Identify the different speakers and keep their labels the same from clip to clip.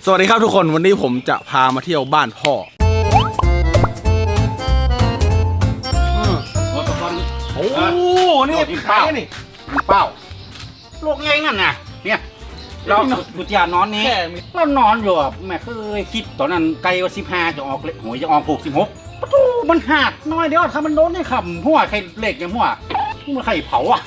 Speaker 1: สวัสดีครับทุกคนวันนี้ผมจะพามาเที่ยวบ้านพ่อโอ้นี่ขายนี่
Speaker 2: เป้าลูกไงนั่นน่ะเนี่ยเราบุตรยานอนนี้เรานอนอยู่แม่เคยคิดตอนนั้นไกลว่า15จะออกเล็กหวยจะออก66ประตูมันหักน้อยเดียวถ้ามันโดนในขำหัวใครเหล็กอย่างหัวมันใครเผาอ่ะ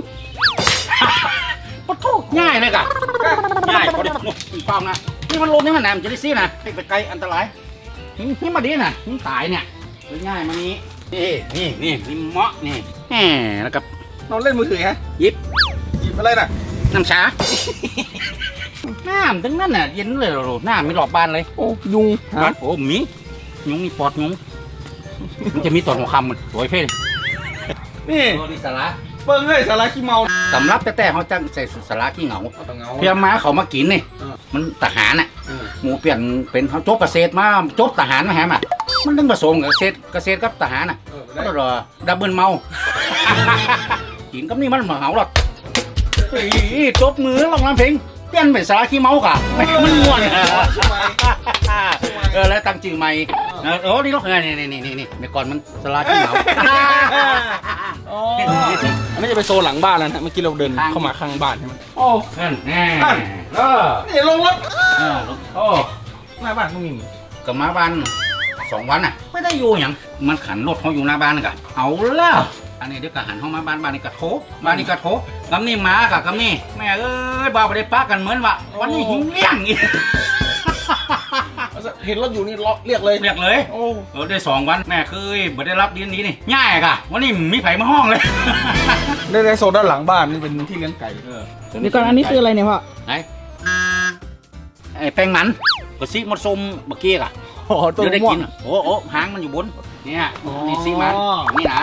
Speaker 2: ประตูง่ายเลยกะง่ายพอดีเป้านะนี่มันลมนี่มันแหนมจะได้ซี่นะไปไกลอันตรายนี่มาดีนะนี่ตายเนี่ยง่ายมานี้นี่เมาะนี่แหมแล้วกับ
Speaker 1: นอนเล่นมือถือฮะ
Speaker 2: หยิบ
Speaker 1: อะไรน่ะ
Speaker 2: น้ำชาน้ำทั้งนั้นน่ะเย็นเลยหรอน้ำมีหลอดบานเลย
Speaker 1: โอ้ยุง
Speaker 2: บ้านโอ้มียุงมีปอดยุงมันจะมีตอนหัวคำมันสวยเพ่
Speaker 1: นี่
Speaker 2: สาระ
Speaker 1: เปิ้งให้สาระขี้เมา
Speaker 2: สำรับแต่เขาจะใส่สาระขี้เหงาเพียม้าเขามากินนี่มันทหารน่ะหมูเปลี่ยนเป็นเขาจบเกษตรมาจบทหารมาแฮมอ่ะมันต้องผสมกับเกษตรกับทหารน่ะก็รอดับเบิลเมากินกับนี่มันเหมาหรอกจบมือลองรำเพลงเปลี่ยนเป็นสาระขี้เมากะมันม่วนแล้วตั้งชื่อใหม่โอ้นี่ลูกนี่เมื่อก่อนมันสาระขี้เมา
Speaker 1: ไม่จะไปโซนหลังบ้านแล้วนะเมื่อกี้เราเดินเข้ามาข้างบ้านใช่ไหม
Speaker 2: โอ้นั่น
Speaker 1: นี่ลงรถ
Speaker 2: โอ้
Speaker 1: หน้าบ้านก็มี
Speaker 2: กับมาบ้าน2 วันน่ะไม่ได้อยู่อย่างมันขันรถเขาอยู่หน้าบ้านกะเอาแล้วอันนี้เดี๋ยวกะหันเข้ามาบ้านนี้กะโถบ้านนี้กะโถกำนี่มากะกำนี่แม่เอ้ยบ่าวไปได้ปักกันเหมือนว่าวันนี้หิ้งเลี้ยงอีก
Speaker 1: เห็นรถอยู่นี่เรียกเลย
Speaker 2: โอ้ได้2 วันแม่เคยบ่ได้รับเดือนนี้นี่ง่ายกะวันนี้มีไผ่มาห้องเลย
Speaker 1: ได้โซนด้านหลังบ้านนี่เป็นที่เลี้ยงไก่
Speaker 3: นี่ก่อนอันนี้คืออะไรเนี่ยพ่อ
Speaker 2: ไอ้แป้งมันกระซิมดส้มเมื่อกี้กะเดี๋ยวได้กินโอ้หางมันอยู่บนเนี่ยนี่ซีมันนี่นะ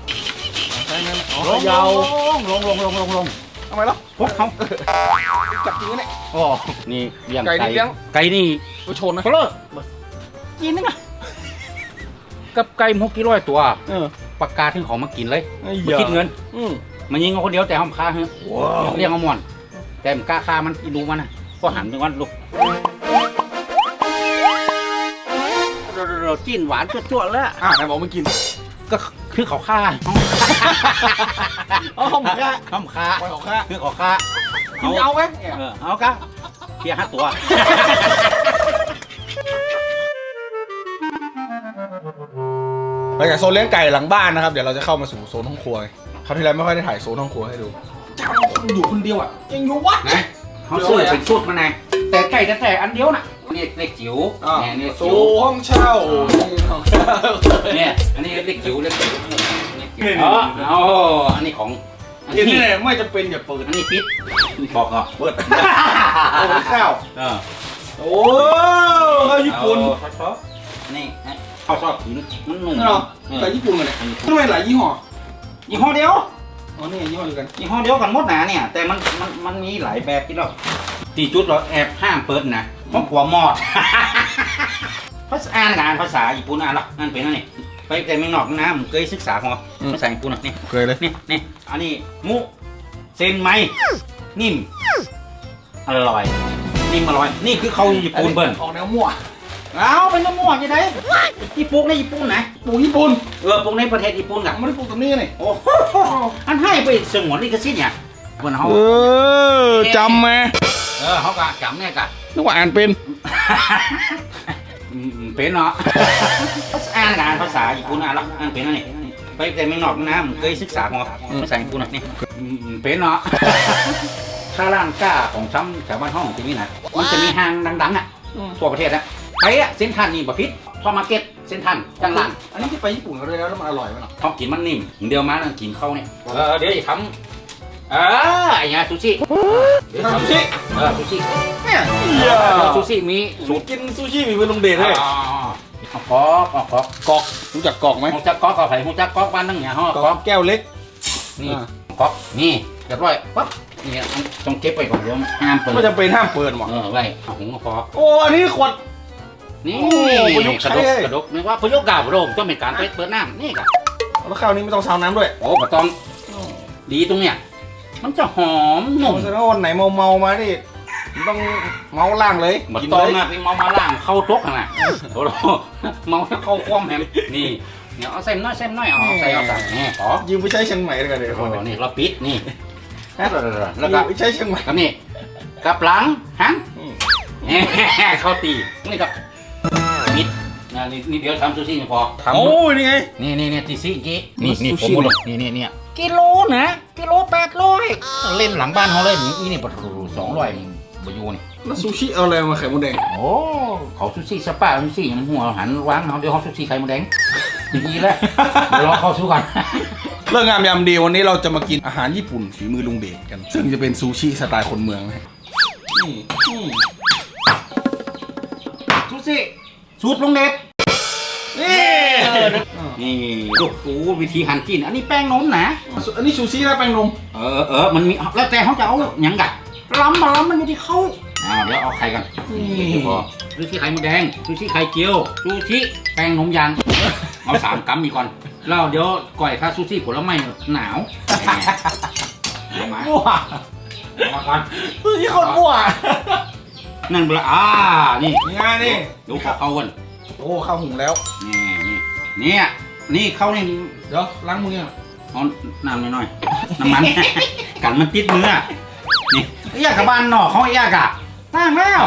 Speaker 1: ยาว
Speaker 2: ลง
Speaker 1: ทำไมล่ะ
Speaker 2: พวกเขา
Speaker 1: จับจริงเนี่ย
Speaker 2: อ๋อนี่เลี้ยงไก่นี่
Speaker 1: ก็ชนนะ
Speaker 2: เขาเลิกกินนึงอะกับไก่600 ตัวประกาศถึงของมากินเลยมาคิดเงินมันยิงเอาคนเดียวแต่ห้ามฆ่าเฮ้ยเลี้ยงเอาหมอนแต่มันกล้าฆ่ามันอีดูมันนะก็หันไปวันลูกเราจิ้นหวานจั่วๆแล้ว
Speaker 1: ไหนบอกไม่กิน
Speaker 2: ก็คือเขาฆ่า
Speaker 1: ห้องฆ่า
Speaker 2: คือเขาฆ่า
Speaker 1: เอาไหม
Speaker 2: เอากะเพีย5 ตัว
Speaker 1: หลังจากโซนเลี้ยงไก่หลังบ้านนะครับเดี๋ยวเราจะเข้ามาสู่โซนห้องครัวคราวที่แล้วไม่ค่อยได้ถ่ายโซนห้องครัวให้ดูเจ้าอยู่คนเดียวอ่ะยังอยู่วัด
Speaker 2: นะเขาซื้อเป็นชุดมาไงแต่ไก่แต่อันเดียวน่ะนี่เล็กจิ๋ว
Speaker 1: เนี่ยโซห้องเช่า
Speaker 2: เนี่ยอันนี้เล็กจิ๋วอันนี้ของ
Speaker 1: นี่ไม่จะเป็นอย่าเปิด
Speaker 2: อันนี้ปิดบอกอ่ะ
Speaker 1: เปิดข้าวโอ้ข้าวญี่ปุ่น
Speaker 2: นี่ข้าวซอสขิงมันนุ่ม
Speaker 1: เนาะแต่ญี่ปุ่นกันเลยทำไมหลายยี่ห้อ
Speaker 2: เดียว
Speaker 1: อ๋อนี่ยี่ห้อเดียวกัน
Speaker 2: ยี่ห้อเดียวกันหมดนะเนี่ยแต่มันมีหลายแบบที่เราตีจุดเราแอบห้ามเปิดนะเพราะกลัวมอดภาษาอ่านภาษาญี่ปุ่นอ่านหรออ่านเป็นอะไรไปแต่เมืองนอกนะผมเคยศึกษาของภาษาญี่ปุ่นนี่
Speaker 1: เคยเลย
Speaker 2: นี่อันนี้มุเซนไมนิ่มอร่อยนิ่มอร่อยนี่คือเขาญี่ปุ่นเบิ้ล
Speaker 1: ออกแนวมั่ว
Speaker 2: เอาเป็นน้ำมั่วยังไงที่ปลูกในญี่ปุ่นนะ
Speaker 1: ปลูกญี่ปุ่น
Speaker 2: ปลูกในประเทศญี่ปุ่นกัน
Speaker 1: ไม่ได้ปลูกตรงนี้นี่
Speaker 2: โอ้อันให้ไปสงวนลิขสิทธิ์เนี่ยคนเขา
Speaker 1: จำไหม
Speaker 2: เขากะจำเนี่ยกะ
Speaker 1: นึกว่าอ่านเป็น
Speaker 2: เป็นเนาะอ่านภาษาญี่ปุ่นอ่านหรออ่านเป็นอะไรไปแต่เมืองนอกนะผมเคยศึกษาของภาษาญี่ปุ่นนี่เป็นเนาะถ้าร้านก้าของช้ำแถวบ้านห้องที่นี่นะมันจะมีห้างดังๆอ่ะทั่วประเทศนะไปอ่ะเส้นทันนี่บะพิษพอมาเก็ตเส้นทันจังหลัง
Speaker 1: อันนี้ที่ไปญี่ปุ่นเขาเลยแล้วมันอร่อยไหมเนาะ
Speaker 2: เขากินมันนิ่มเดียวมาแล้วกินเข้าเนี่ยเดี๋ยวจะทำไอ้ยาซูชิ
Speaker 1: ซูชิ
Speaker 2: เนี่ยซูชิมี
Speaker 1: สูตรกินซูชิมีเป็นลงเดชเลย
Speaker 2: กอก
Speaker 1: รู้จักกอกไหม
Speaker 2: รู้จักกอกกับไผ่รู้จักกอกบ้านนั่งเนี่ยฮะ
Speaker 1: กอกแก้วเล็ก
Speaker 2: นี่กอกนี่เรียบร้อยปั๊บนี่ต้องเก็บไปก่อนเดี๋ยวห้ามเปิด
Speaker 1: ไม่จำเป็นห้ามเปิดหรอก
Speaker 2: ไว้หุงกอก
Speaker 1: โอ้อันนี้ขวด
Speaker 2: นี่กระดกนึกว่าพยุกกาบโรมต้องเป็นการเปิดน้ำนี่กัน
Speaker 1: แล้วข้าวนี้ไม่ต้องซาวน้ำด้วย
Speaker 2: โอ้ไม่ต้องดีตรงเนี้ยมันจะหอมนุ่ม
Speaker 1: แสดงว่าวันไหนเมามาดิต้องเมาล่างเลย
Speaker 2: มา
Speaker 1: กิน
Speaker 2: ตอ
Speaker 1: เล
Speaker 2: ง
Speaker 1: ย
Speaker 2: อ่ะไปเมามาล่างเข้าตกอ่ะนะโอ้โหเมาเข้าคว่ำแฮมนี่เนี่ยเอาเส้นน้อยเอาใส่นี่ขอ
Speaker 1: ยืมไปใช้เชียงใหม่เลยกันเดี๋ยว
Speaker 2: โอ้นี่เราปิดนี่แล้ว
Speaker 1: ยื
Speaker 2: ก็
Speaker 1: มไปใช้เชียงใหม่
Speaker 2: กับนี่กับหลังหันเข้าตีนี่กับปิดนี่เดี๋ยวทำซูชิพอ
Speaker 1: โอ้ยนี่ไง
Speaker 2: นี่ตีซี่กี้นี่
Speaker 1: ซู
Speaker 2: ผม
Speaker 1: ชิ
Speaker 2: หมดเลยนี่กิโลนะกิโล800เล่นหลังบ้านเขาเล่นนี่ประตู200นี่บอยู่นี่
Speaker 1: แล้วซูชิเอาอะไรมาไข่มดแดง
Speaker 2: โอ้เขาซูชิสปาซูชิยังหัวหันวางเขาเดี๋ยวเขาซูชิไข่มดแดงดีแล้วเดี๋ยวรอเข้าสู้กัน
Speaker 1: เรื่องงามยามดีวันนี้เราจะมากินอาหารญี่ปุ่นฝีมือลุงเดชกัน ซึ่งจะเป็นซูชิสไตล์คนเมืองนะฮะ
Speaker 2: ซูชิสูตรลงเด็ดนี่ลูกฟูวิธีหั่นจิ้นอันนี้แป้งนมนะ
Speaker 1: อันนี้ซูชินะแป้งนม
Speaker 2: มันมีแล้วแต่เขาจะเอาหยังกัดล้ำมันอยู่ที่เขาเดี๋ยวเอาไข่กันนี่พอซูชิไข่มดแดงซูชิไข่เจียวซูชิแป้งนมยางเอา3 กรัมมีก่อนแล้วเดี๋ยวก่อยข้าซูชิผลไม้หนาวเอามา
Speaker 1: มั่ว
Speaker 2: เอามาก่อน
Speaker 1: ซูชิคนมั่ว
Speaker 2: นั่นเบลอนี่
Speaker 1: นี่ไงนี่
Speaker 2: ดูเขากัน
Speaker 1: โอ้ข้าวหุงแล้ว
Speaker 2: นี่เขานี่
Speaker 1: เดี๋ยวล้างมืออ่ะ
Speaker 2: เอาน้ำน้อยๆน้ำมัน กันมันติดมือนี่เอี้ยกับบ้านนอกเขาเอี้ยกะตั้งแล้ว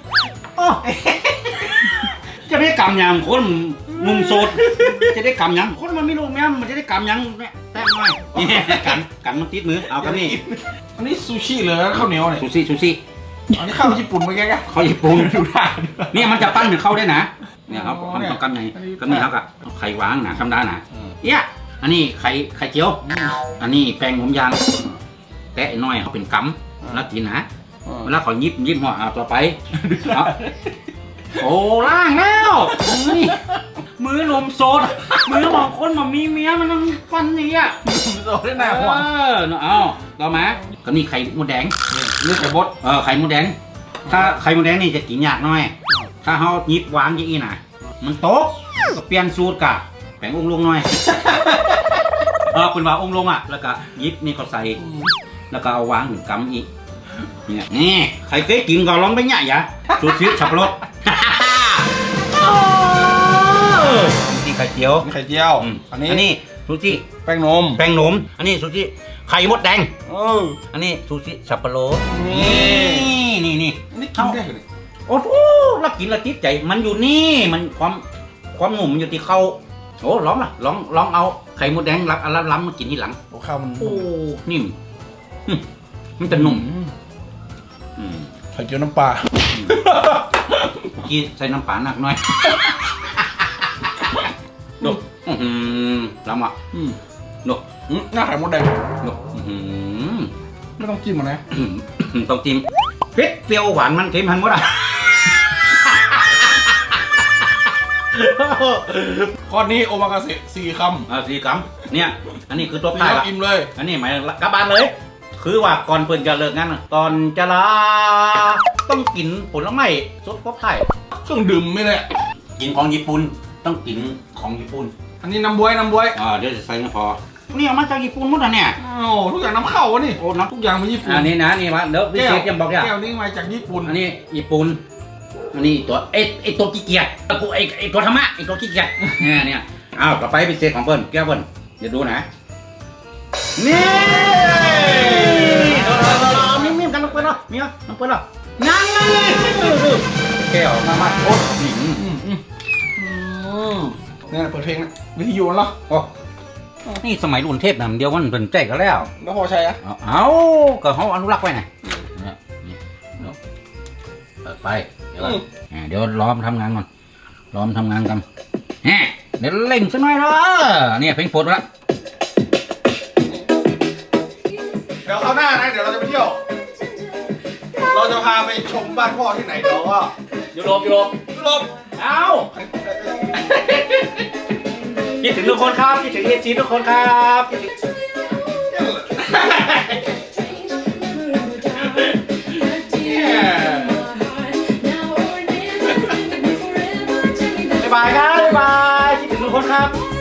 Speaker 2: จะได้กำยังคนมุมโสดจะได้กำยังคนมันไม่รู้แม่มันจะได้กำยังแต้มหน่อยนี่กันมันติดมือเอากันนี่
Speaker 1: อันนี้ซูชิเลยแล้วข้าวเหนียวเนี่ย
Speaker 2: ซูชิ
Speaker 1: อันนี้ข้าวญี่ปุ่นเมื่อกี้กัน
Speaker 2: เขาญี่ปุ่น
Speaker 1: ดูได้
Speaker 2: เนี่ยมันจะปั้นถึงเข้าได้นะเนี่ยครับ
Speaker 1: อ๋อ
Speaker 2: มัน
Speaker 1: เนี่ย
Speaker 2: ต้องกันไง
Speaker 1: อันนี้
Speaker 2: ก็นี่ครับอะไข่วางหนาธรรมดาหนา
Speaker 1: อืม
Speaker 2: เอี้ยอันนี้ไข่เจียว อันนี้แป้งนมยางแตะน้อยเขาเป็นกำแล้วกินนะเวลาเขายิบหัวเอาต่อไปเอาโอ้ล่างแล้วนี่มือนมโซดมือบางคนมันมีเมียมันต้องฟันนี่อ่ะ
Speaker 1: โดนได้หน้าหัว
Speaker 2: เอาต่อมาก็นี่ไข่มดแดง
Speaker 1: นี่ไข่บด
Speaker 2: ไข่มดแดงถ้าไข่มดแดงนี่จะกินยากหน่อยถ้าเขายิบวางอย่างนี้นะมันโต๊ะก็เปลี่ยนสูตรกะแป้งองค์ลงหน่อยคุณว่าองค์ลงอ่ะแล้วก็ยิบนี่เขาใส่แล้วก็เอาวางถึงกำอีกเนี่ยนี่ใครเคยกินก็ลองไปเนี่ยอย่าสูตรชีสับปะรดซูชิไข่เจียว
Speaker 1: ไข่เจียว
Speaker 2: อันนี้ซูชิ
Speaker 1: แป้งนม
Speaker 2: แป้งนมอันนี้ซูชิไข่มดแดง
Speaker 1: อ
Speaker 2: อันนี้ซูชิสับปะรด
Speaker 1: นี่
Speaker 2: นี่
Speaker 1: อันนี้กินได้เหรอ
Speaker 2: โอ้โหแล้วกินแล้วติดใจมันอยู่นี่มันความหนุ่มมันอยู่ที่เขาโอ้ลองเอาไข่มดแดงรับอันล้ำมากินที่หลัง
Speaker 1: โอ้ข้าวมัน
Speaker 2: โอ้นิ่มมันจะนุ่ม
Speaker 1: ไข่เจียวน้ำปลา
Speaker 2: เมื่อกี้ใส่น้ำปลาหนักหน่อยดูล้ำอ่ะดู
Speaker 1: หน้าไข่มดแดง
Speaker 2: ดู
Speaker 1: ไม่ต้องจิ้มมันนะ
Speaker 2: ต้องจิ้มเผ็ดเปรี้ยวหวานมันเค็มหันหมดอ่ะ
Speaker 1: ข้อนี้โอมากาเสะ4 คำ
Speaker 2: 4 กรัมเนี่ยอันนี้คือตัว
Speaker 1: นี่
Speaker 2: พาย
Speaker 1: เรา
Speaker 2: ละ
Speaker 1: อิ่มเลย
Speaker 2: อันนี้หมายกลับบ้านเลย คือว่าก่อนเปิ่นจะเลิกงานก่อนจะลาต้องกินผลไม้สดครบไทย
Speaker 1: เครื่องดื่มไม่เลย
Speaker 2: กินของญี่ปุ่นต้องกินของญี่ปุ่น
Speaker 1: อันนี้น้ำบ๊วย
Speaker 2: เดี๋ยวจะใส่พอนี่เอามาจากญี่ปุ่นหมดอ่ะเนี่ย
Speaker 1: โอ้ทุกอย่างน้ำเข้าวะนี่
Speaker 2: โอ้น้ำ
Speaker 1: ทุกอย่างมาญี่ปุ่น
Speaker 2: อันนี้นะนี่วะเดี๋ยวพิเศษยังบอกอย่า
Speaker 1: แก้วนี้มาจากญี่ปุ่น
Speaker 2: อันนี้ญี่ปุ่นอันนี้ตัวไอตัวขี้เกียจกูไอตัวธรรมะไอตัวขี้เกียจเนี่ยอ้าวต่อไปพิเศษของเปิ้ลแก้วเปิ้ลเดี๋ยวดูนะนี่มีกันลงไปเนาะมีลงไปเนาะนั่นเลยแก้วมาโอ้
Speaker 1: เนี่ยเปิดเพลงนะวิทยุเหรอ
Speaker 2: โอ้นี่สมัยรุ่นเทพนะเดียวมันเป็นใจกันแล้ว
Speaker 1: แล้วพอใช้อะ
Speaker 2: เอาก็เขาอนุรักษ์ไว้ไงนี่เปิดไปเดี๋ยวล้อมทำงานก่อนล้อมทำงานกันเดี๋ยวเล่งสักหน่อยเนาะเนี่ยเพลงโปรดละ
Speaker 1: เดี๋ยวคราวหน้านะเดี๋ยวเราจะไปเที่ยว เราจะพาไปชมบ้านพ่อที่ไหนเดี๋ยวก็
Speaker 2: ยุโรปเอาคิดถึงทุกคนครับคิดถึงเอซีทุกคนครับคิดถึงบ๊ายบายครับบ๊ายบายคิดถึงทุกคนครับ